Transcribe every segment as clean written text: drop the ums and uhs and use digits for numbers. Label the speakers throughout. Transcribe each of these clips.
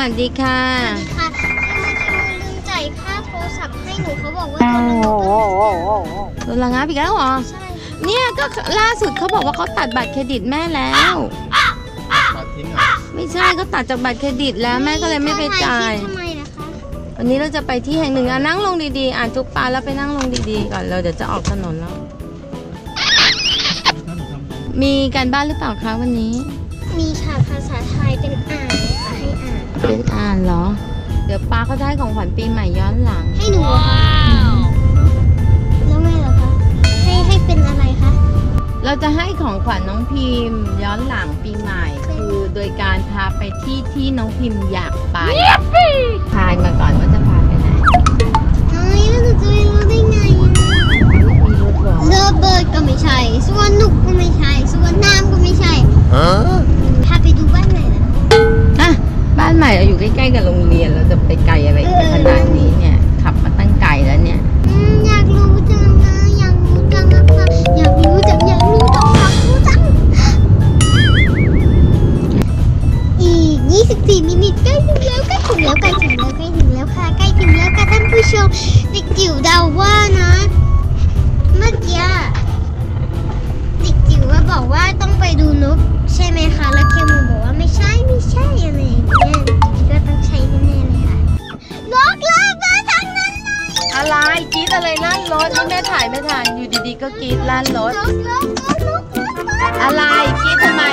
Speaker 1: วัสดีค่ะ
Speaker 2: ค่ะลืมจ่ายค่าโทรศัพท์ให้หนูเขาบอกว่า
Speaker 1: โดนระงับอีกแล้วเหรอใช่เนี่ยก็ล่าสุดเขาบอกว่าเขาตัดบัตรเครดิตแม่แล้ว
Speaker 3: ตัดทิ้งเหรอ
Speaker 1: ไม่ใช่เขาตัดจากบัตรเครดิตแล้วแม่ก็เลยไม่ไปจ่าย
Speaker 2: ทำไมนะคะ
Speaker 1: วันนี้เราจะไปที่แห่งหนึ่งนั่งลงดีๆอ่านจุกปลาแล้วไปนั่งลงดีๆก่อนเราเดี๋ยวจะออกถนนแล้วมีการบ้านหรือเปล่าคะวันนี้
Speaker 2: มีค่ะภาษาไทยเป็นอ่านค่ะให้อ่าน
Speaker 1: เป็นอ่านเหรอเดี๋ยวป้าเขาได้ของขวัญปีใหม่ย้อนหลัง
Speaker 2: ให้หนูแล้วแม่เหรอคะให้เป็นอะไรคะ
Speaker 1: เราจะให้ของขวัญน้องพิมพ์ย้อนหลังปีใหม่คือโดยการพาไปที่น้องพิมพ์อยากไปทายมาก่อนว่าจะพาไปไหน
Speaker 2: แล้วหนูจะรู้ได้ไง
Speaker 1: มีรถหรอ
Speaker 2: เลิฟเบิร์ดก็ไม่ใช่สวนนุกก็ไม่ใช่สวนน้ำก็ไม่ใช่พาไปดูบ้านไหนนะ
Speaker 1: อ่ะบ้านใหม่เราอยู่ใกล้ๆกับโรงเรียนเราจะไปไกลอะไรขนาดนี้เนี่ยขับมาตั้งไกลแล้วเนี่ย
Speaker 2: อยากรู้จังนะอยากรู้จังนะคะอยากรู้จังอยากรู้จังอยากรู้จังอีก24 มิลลิใกล้ถึงแล้วค่ะใกล้ถึงแล้วค่ะท่านผู้ชมเด็กจิ๋วเดาว่านะเมื่อกี้เด็กจิ๋วว่าบอกว่าต้องไปดูนกใช่ไหมคะแล้วเคมูบอกว่าไม่ใช่อะไรอย่างเงี้ยก็ต้องใช่แน่ๆเลยค่ะนกลากมาทางนั้นเลย
Speaker 1: อะไรกรี๊ดอะไรลั่นรถนี่แม่ถ่ายไม่ทันอยู่ดีๆก็กรี๊ดลั่นรถอะไรกรี๊ดทำไม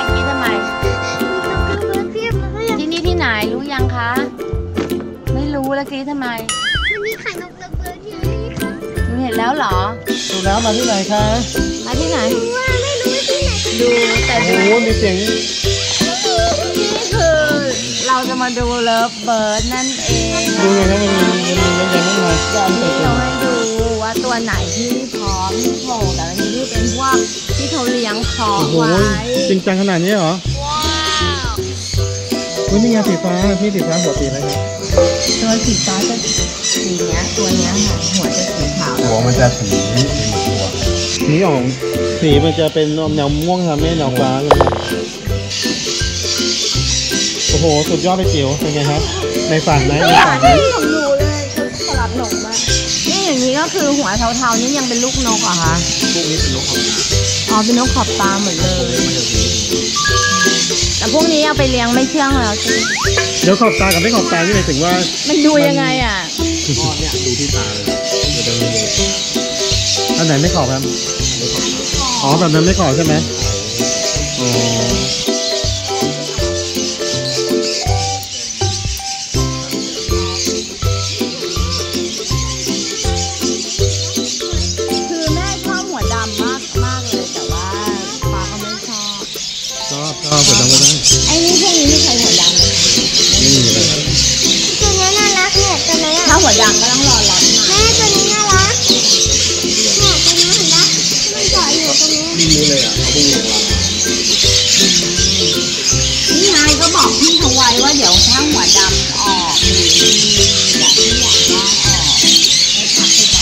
Speaker 1: ที่นี่ที่ไหนรู้ยังคะไม่รู้แล้วกรี๊ดทำไม
Speaker 2: มันมีขายนกระเบิดที่นี่ค่ะ
Speaker 1: หนูเห็นแล้วเหรอ
Speaker 3: ดูแล้วมาที่ไหนคะ
Speaker 1: มาที่ไหน
Speaker 2: ไม่รู้ที่ไหน
Speaker 1: ดูแต่
Speaker 3: โอ้มีเสียง
Speaker 1: นี่คือเราจะมาดูเลิฟเบิร์ดนั่นเอง
Speaker 3: ดูไงนะมันมียังไม่มา
Speaker 1: ที่เราให้ดูว่าตัวไหนที่พร้อมที่โผล่แต่อันนี้ที่เป็นพวกที่เขาเลี้ยงเพาะไว้
Speaker 3: จริงจังขนาดนี้เหรอว้าวนี่ไงสีฟ้าพี่สีฟ้าหัวสีอะไรครับ
Speaker 1: ตัวสีฟ้าจะสีเนี้ยตัวเนี้ยค่ะหัวจะสีขาว
Speaker 3: หัวมันจะสีตัวนี่ออกสีมันจะเป็นแนวม่วงครับไม่แนวฟ้าเลยโอ้โหสุดยอดไปจิ๋วเป็นไงครับในฝันไหม
Speaker 1: ของหนูเลยคือสลับหนกมากนี่อย่างนี้ก็คือหัวเทาๆนี่ยังเป็นลูกนกเหรอคะ
Speaker 3: พวกนี้เป็นนกขอบตา
Speaker 1: อ๋อเป็นนกขอบตาหมดเลยแต่พวกนี้เอาไปเลี้ยงไม่เชื่องแล้ว
Speaker 3: เดี๋ยวขอบตากับไม่ขอบตานี่หมายถึงว่า
Speaker 1: มันดูยังไงอ่ะ
Speaker 3: อ๋อเนี่ยดูที่ตาเลยมันจะมีอันไหนไม่ขอบครับอ๋อแบบนั้นไม่ขอบใช่ไหมอ๋อ
Speaker 1: หัวดำก็ได้ไอ้นี่พวกนี้ไม่ใช่หัวดำ
Speaker 3: ไม่มีเลย
Speaker 2: ตัวนี้น่ารักเนี่ยตัวนี้
Speaker 1: ถ้าหัวดำก็ต้องรอร้อน
Speaker 2: แม่ตัวนี้น่ารักเนี่ยตัวนี้เห็นปะมันเกาะอยู่ตรงนี้
Speaker 3: ไม่รู้เลยอ่ะเขาพูดว่า
Speaker 1: นี่ไงก็บอกพี่เขาไว้ว่าเดี๋ยวถ้าหัวดำออกหรืออยากที่อยากได้ออกให้ทักไปบอก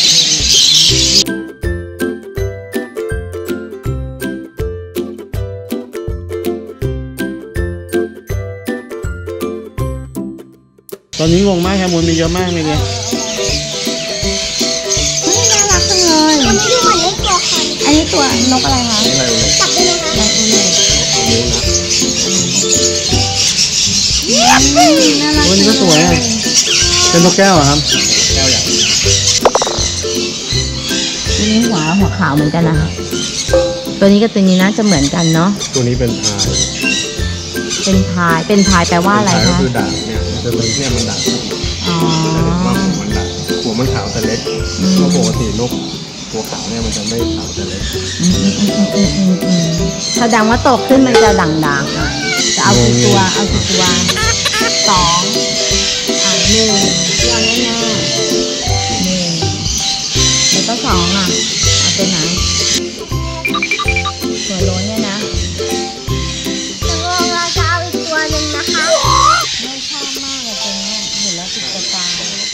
Speaker 3: ตอนนี้งงมากแคมูลมีเยอะมากเลยเนี่ย
Speaker 1: น่ารักจังเลย
Speaker 2: อันนี้ดูเหมือนเล็กตัวค่ะ
Speaker 1: อันนี้ตัวนกอะไรคะ
Speaker 2: จับได้ไหมคะ
Speaker 1: นกอะไรน่ารัก
Speaker 3: ตัวนี้ก็สวยเป็นนกแก้วเหรอครับแก้วอย่าง
Speaker 1: นี่หัวขาวเหมือนกันนะตัวนี้กับตัวนี้น่าจะเหมือนกันเนาะ
Speaker 3: ตัวนี้เป็นพาย
Speaker 1: แปลว่าอะไรคะ
Speaker 3: ก็คือด่างเนี่ยจะเป็นเนี่ยมันด่าง
Speaker 1: อ๋อ
Speaker 3: หัวมันขาวแต่เล็กเพราะปกตินกตัวขาวเนี่ยมันจะไม่ขาวแต่เล็ก
Speaker 1: แสดงว่าโตขึ้นมันจะด่างๆจะเอากี่ตัว2 1เอาแน่ๆ1แล้วก็2อ่ะเอาตัวไหนตัวโล้นเนี่ยนะ
Speaker 2: เราจะเอาอีกตัวหนึ่งนะคะ
Speaker 1: ไม่ชอบมากเลยตัวนี้เห็นแล้วติดตา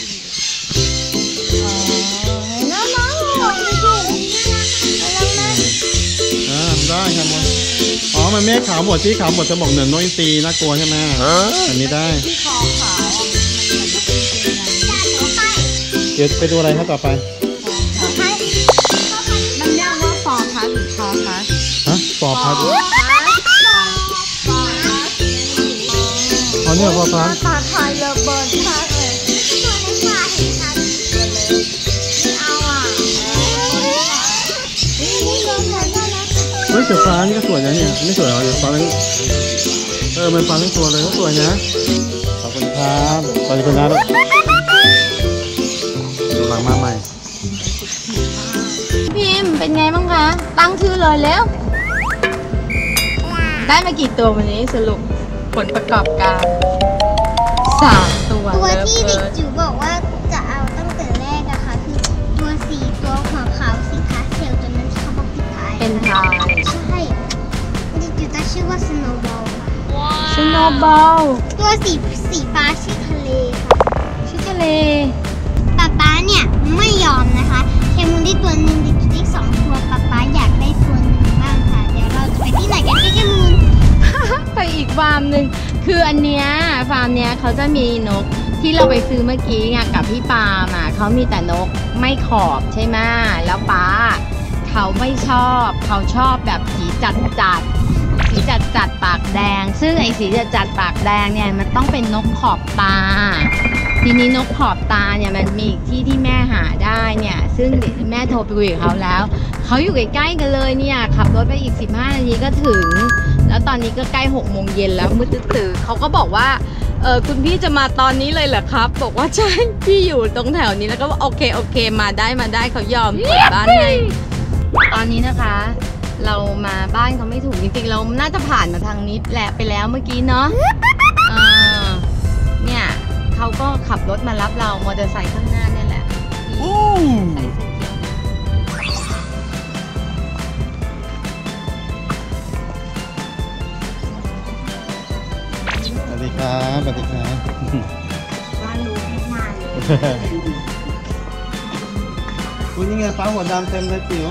Speaker 2: น้องๆไม่ถูกน่ารัก
Speaker 3: ได้ครับอ๋อมันไม่ขาวหมดที่ขาวหมดจะบอกเหนือนนกอินทรีน่ากลัวใช่ไหมอันนี้ได้
Speaker 1: ที่คอขาวมันเหมือนนกอินทรี
Speaker 3: เดี๋ยวไปดูอะไรครับต่อไป
Speaker 1: มันเรียกว่าฟอร์พัสหรือคอพัส
Speaker 3: ฮะปอพัด
Speaker 1: ฟอร์พัส
Speaker 3: อ๋อเนี่ยปอพัด
Speaker 1: ตาทายเลเบิร์ดมากเลยเอาอ่ะ
Speaker 3: เฮ้ยเสือฟ้านี่ก็สวยนะเนี่ยไม่สวยเหรอเสือฟ้านั้นมันฟ้าทั้งตัวเลยก็สวยนะขอบคุณครับขอบคุณนะลูกดูหลังมาใหม่
Speaker 1: พิมพ์เป็นไงบ้างคะ ตั้งชื่อเลยแล้ว ได้มากี่ตัววันนี้สรุปผลประกอบการ3 ตัว
Speaker 2: ตัวที่เด็กจิ๋วบอกว่าจะเอาตั้งแต่แรกอะค่ะคือตัวสีตัวหัวขาวสีพาสเทลตัวนั้นที่เขาบอกปิดท้าย
Speaker 1: เป็นทาย
Speaker 2: ใช่เด็กจิ๋วตั้งชื่อว่าสโนว์บอล
Speaker 1: สโนว์บอล
Speaker 2: ตัวสีฟ้าชื่อทะเลค่ะ
Speaker 1: ชื่อทะเล
Speaker 2: ป๊าเนี่ยไม่ยอมนะคะเคมูนได้ตัวหนึ่งเด็กจิ๋วได้2 ตัวป๊าอยากได้ตัวหนึ่งบ้างค่ะเดี๋ยวเราจะไปที่ไหนกันเคมูน
Speaker 1: ไปอีกฟาร์มหนึ่งคืออันเนี้ยฟาร์มเนี้ยเขาจะมีนกที่เราไปซื้อเมื่อกี้ไงกับพี่ปาล์มอ่ะเขามีแต่นกไม่ขอบใช่ไหมแล้วป้าเขาไม่ชอบเขาชอบแบบสีจัดปากแดง ซึ่งไอ้สีจัดปากแดงเนี่ยมันต้องเป็นนกขอบตา ทีนี้นกขอบตาเนี่ยมันมีอีกที่แม่หาได้เนี่ยซึ่งแม่โทรไปคุยกับเขาแล้วเขาอยู่ใกล้ๆกันเลยเนี่ยขับรถไปอีก15 นาทีก็ถึงแล้วตอนนี้ก็ใกล้6 โมงเย็นแล้วมืดตื่นเขาก็บอกว่าคุณพี่จะมาตอนนี้เลยเหรอครับบอกว่าใช่พี่อยู่ตรงแถวนี้แล้วก็โอเคมาได้เขายอมเปิดบ้านให้ตอนนี้นะคะ เรามาบ้านเขาไม่ถูกจริงๆเราน่าจะผ่านมาทางนี้แหละไปแล้วเมื่อกี้เนาะเนี่ยเขาก็ขับรถมารับเรามอเตอร์ไซค์ข้างหน้าเนี่ยแหละใส่เสื้อเขียว
Speaker 3: สวัสดีครับสวัสดีครับ
Speaker 1: บ้านรู้ไม่นานเลย
Speaker 3: คุณยังไงฟ้าหัวดำเต็มเลยจิ๋ว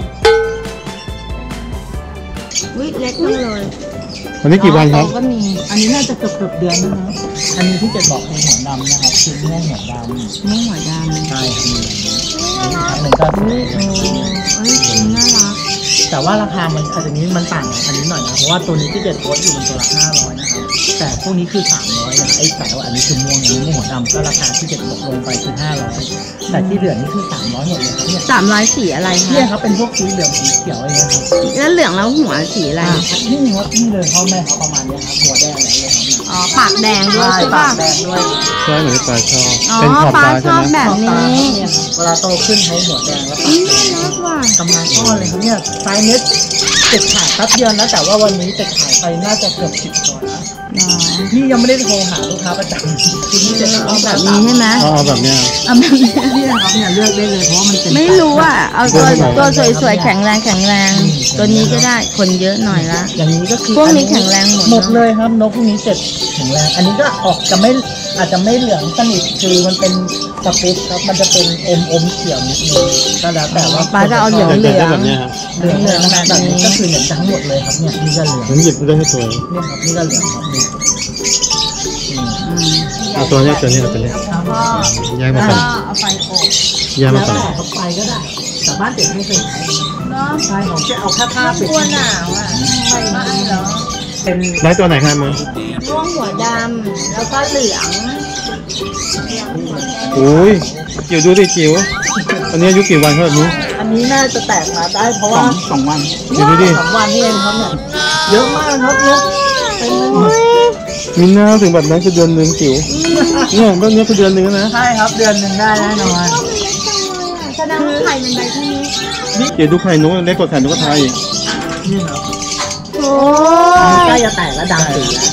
Speaker 1: วิเล็กมากเลย
Speaker 3: วันนี้กี่วันครับ
Speaker 1: ก็มี
Speaker 4: อันนี้น่าจะเกือบเดือนแล้วนะ อันนี้ที่เจ็ดบอกเป็นหัวดำนะครับคือม่วงหัวดำ
Speaker 1: ม่วงหัวดำ
Speaker 4: ใช่ครับมีอย่างนี้ครั้งหนึ่งก็
Speaker 1: เอ้ยน่ารัก
Speaker 4: แต่ว่าราคามันอาจจะนี้มันต่างอันนี้หน่อยนะ เพราะว่าตัวนี้ที่เจ็ดโพสต์อยู่มันตัวละ500นะครับ แต่พวกนี้คือ300นะไอ้แต่ว่าอันนี้คือม่วงอันนี้ม่วงหัวดำก็ราคาที่เจ็ดลดลงไปคือ500แต่ที่เหลือนี่คือ300หมดเลยครับเนี่ย
Speaker 1: 300สีอะไรคะ
Speaker 4: เนี่ยครับเป็นพวกสีเหลืองสีเขียวอะไรเงี้ยครับ
Speaker 1: แล้วเหลืองแล้วหัวสีอะไร
Speaker 4: นี่ครับนี่เลยพ่อแม่เขาประมาณเนี้ยครับหัวแดงอะไรเลยครับเนี่ย
Speaker 1: อ๋อปากแดงด้วยใช่
Speaker 4: ปา
Speaker 1: ป่ะ
Speaker 4: กแดงด้วย
Speaker 3: ใช่เหมือนที่ปลาชอบ
Speaker 1: อ๋อ
Speaker 3: เป็นขอบ
Speaker 1: ปลา
Speaker 3: ตา
Speaker 1: ช
Speaker 3: ใช่
Speaker 1: อบ
Speaker 3: ไหม
Speaker 1: แบบนี้
Speaker 4: เนี่ยครับเวลาโตขึ้นเขาหัวแดงแล้วปาก
Speaker 1: น่า
Speaker 4: แดง
Speaker 1: รักว่ะ
Speaker 4: กำลังก้อนเลยครับเนี่ยไซส์เน็ตติดขายแป๊บเดียวนะแต่ว่าวันนี้ติดขายไปน่าจะเกือบ10 ตัวแล้ว
Speaker 1: เนาะ
Speaker 4: นี่ยังไม่ได้โทรหาลูกค้าประจำทีนี้จะ
Speaker 1: เอาแบบนี้ใช่ไหม
Speaker 3: เอาแบบเนี้ย
Speaker 1: เอาแบบนี้
Speaker 4: เนี่ยครับเนี่ยเลือกได้เลยเพราะว่ามันเป็น
Speaker 1: ไม่รู้อ่ะ เอาตัวสวยๆแข็งแรงตัวนี้ก็ได้คนเยอะหน่อยละ
Speaker 4: อย่างนี้ก็คือ
Speaker 1: พวกนี้แข็งแรงหมด
Speaker 4: หมดเลยครับนกพวกนี้แข็งแรงอันนี้ก็ออกจะไม่อาจจะไม่เหลืองสนิทคือมันเป็นสปิตครับมันจะเป็นอมเขียวนิดนึงก็แล้วแต่ว่า
Speaker 1: ปลาจะเอาเหลือง
Speaker 3: อยากได้แบบเนี้ยครับ
Speaker 4: เหลืองแบบนี้ก็คือเหลืองทั้งหมดเลยครับเนี่ยนี่ก็เหลือง
Speaker 3: ผมหยิบได้ให้สวย
Speaker 4: เนี่ยครับนี่ก็เหลืองครับนี่
Speaker 3: เอาตัวเนี้ยเอาตัวเนี้ย
Speaker 4: แล้วก็
Speaker 3: แยกมาก่อน
Speaker 4: เอาไปอบ
Speaker 3: แยก
Speaker 4: แล้
Speaker 3: มาว ก่อน
Speaker 4: แต่เขาไปก็ได้แต่บ้านเด็กไม่เคยใช้
Speaker 1: เนาะ
Speaker 4: ใช่ผมจะเอาแค่ผ้าปิด
Speaker 1: กลัวหนาวอ่ะไม่เหรอ
Speaker 4: เป็น
Speaker 3: ได้ตัวไหนครับมึง
Speaker 1: ม่วงหัวดำแล้วก็เหลือง
Speaker 3: โอ้ยจิ๋วดูดิจิ๋วอันนี้อายุกี่วันครับแบบนี้
Speaker 4: อันนี้น่าจะแตกมาได้เพราะว่าสองวัน
Speaker 3: จิ๋วดูดิ
Speaker 4: 2 วันนี่เองครับเนี่ยเยอะมากครับเนี่ยเป็น
Speaker 3: มีหน้าถึงแบบนั้นคือเดือนหนึ่งจิ๋วเนี่ยต้นนี้คือเดือนหนึ่งนะ
Speaker 4: ใช่ครับเดือนหนึ่งได้แน่นอน
Speaker 1: แสดงว่าไข่มันใบเท่านี้
Speaker 3: จิ๋วดูไข่นกได้กดไข่นกกระทาอีก
Speaker 4: นี่ครับ
Speaker 1: โอ้
Speaker 4: อันนี้ใกล้จะแตกแล้วดำสีแล้ว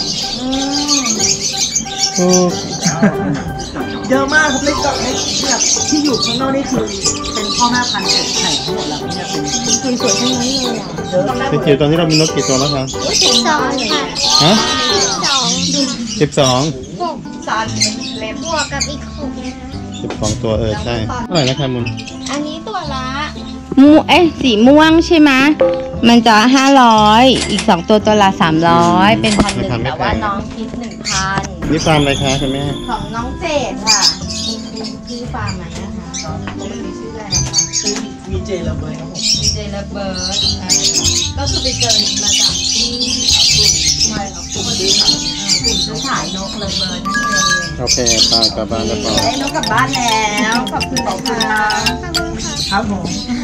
Speaker 3: โอ้
Speaker 4: เยอะมากครับในกล่องในแบบที่อยู่ข้างนอกนี่คือเป็นพ่อแม่พันธุ์เก็บไข่ทั้งหมดแล้วเนี่ยเป็น
Speaker 1: สวยๆทั้งนั้นเลยอ่ะ
Speaker 4: เยอะมาก
Speaker 3: จิ๋วตอนนี้เรามีนกกี่ตัวแล้วครับ
Speaker 2: 12 ค่ะ
Speaker 3: ฮะ
Speaker 2: 12
Speaker 3: 12
Speaker 1: ซันเล็บบ
Speaker 2: วกกับอีก6นะคะ
Speaker 3: 12 ตัวใช่เท่าไหร่นะครับมึง
Speaker 1: อันนี้ตัวละสีม่วงใช่ไหมมันจะ500อีก2ตัวละ300เป็น1,100แต่ว่าน้องคิด 1,000
Speaker 3: นี่ฟาร์มอะไรคะคุณแม่
Speaker 1: ของน้องเจดค่ะชื่อฟาร์มไหมนะคะปกติชื่ออะไรนะคะ
Speaker 4: คือวีเจระเบิดครับผม
Speaker 1: ดีเจระเบิร์ดก็คือไปเจอมาจากที่กลุ่มไม่ครับกลุ่มซื้อขายกลุ่มซื้อขายนกระเบิร์ดนั่นเอง
Speaker 3: โอเคปลากลับบ้านแล้วปอ
Speaker 1: ได้นกกลับบ้านแล้วขอบคุณนะคะ
Speaker 2: ขอบคุณค่ะ
Speaker 4: ครับผม